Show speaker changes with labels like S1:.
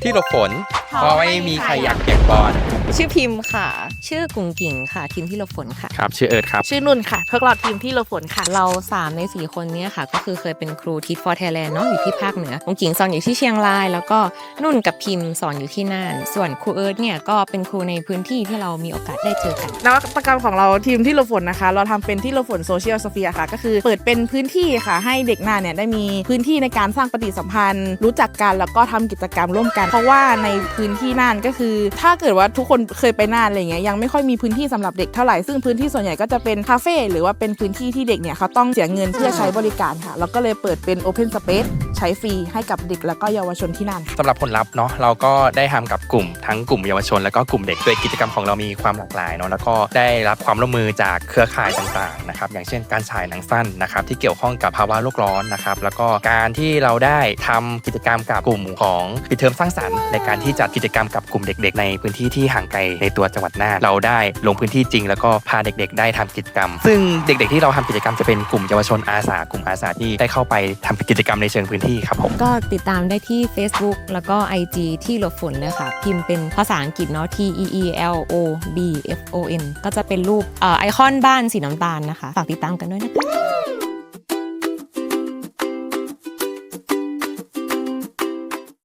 S1: ที่หลบฝนเพราะไม่มีใครอยากเปียกปอน
S2: ชื่อพิมพ์ค่ะชื่อกุ๋งกิ่งค่ะทีมที่หลบฝนค่ะ
S1: ครับชื่อเอิร์ธครับ
S3: ชื่อนุ่นค่ะพวกเราทีมที่หลบฝนค่ะ
S2: เรา3ใน4คนนี้ค่ะก็คือเคยเป็นครูทิศฟอร์ไทยแลนด์เนาะอยู่ที่ภาคเหนือกุ๋งกิ่งสอนอยู่ที่เชียงรายแล้วก็นุ่นกับพิมพ์สอนอยู่ที่น่านส่วนครูเอิร์ธเนี่ยก็เป็นครูในพื้นที่ที่เรามีโอกาสได้เจอกัน
S3: นวัตกรรมของเราทีมที่หลบฝนนะคะเราทำเป็นที่หลบฝนโซเชียลสเฟียร์ค่ะก็คือเปิดเป็นพื้นที่ค่ะให้เด็กน่านเนี่ยได้มีพื้นที่ในการสร้างปฏิสัมพันธ์รู้จักกันแล้วก็ทำกิจกรรมร่วมกันเพราะว่าในพื้นที่น่านก็คือถ้าเกิดว่าทุกคนเคยไปน่านอะไรเงี้ยยังไม่ค่อยมีพื้นที่สำหรับเด็กเท่าไหร่ซึ่งพื้นที่ส่วนใหญ่ก็จะเป็นคาเฟ่หรือว่าเป็นพื้นที่ที่เด็กเนี่ยเขาต้องเสียเงินเพื่อใช้บริการค่ะเราก็เลยเปิดเป็น Open Space ใช้ฟรีให้กับเด็กแล้วก็เยาวชนที่น่านค่ะ
S1: สำหรับผลลัพธ์เนาะเราก็ได้ทำกับกลุ่มทั้งกลุ่มเยาวชนแล้วก็กลุ่มเด็กโดยกิจกรรมของเรามีความหลากหลายเนาะแล้วก็ได้รับความร่วมมือจากเครือข่ายต่างๆนะครับอย่างเช่นการฉายหนังสั้นนะครับที่เกี่ยวข้องกับภาวะโลกร้อนนะครับแล้วก็การที่เราได้ทำกิจกรรมกับกลุ่มของปิดเทอมสร้างสรรค์ในการที่จัดกิจกรรมกับกลุ่มเด็กๆในพื้นที่ที่ห่างไกลในตัวจังหวัดน่านเราได้ลงพื้นที่จริงแล้วก็พาเด็กๆได้ทำกิจกรรมซึ่งเด็กๆที่เราทำกิจกรรมจะเป็นกลุ่มเยาวชนอาสากลุ่มอาสาที่ได้เข้าไปทำกิจกรรมในเชิงพื้นที่ครับผม
S2: ก็ติดตามได้ที่ Facebook แล้วก็ IG ที่หลบฝนเลยค่ะพิมพ์เป็นภาษาอังกฤษเนาะ TEELOBFON ก็จะเป็นรูปไอคอนบ้านสีน้ำตาลนะคะฝากติดตามกันด้วยนะคะ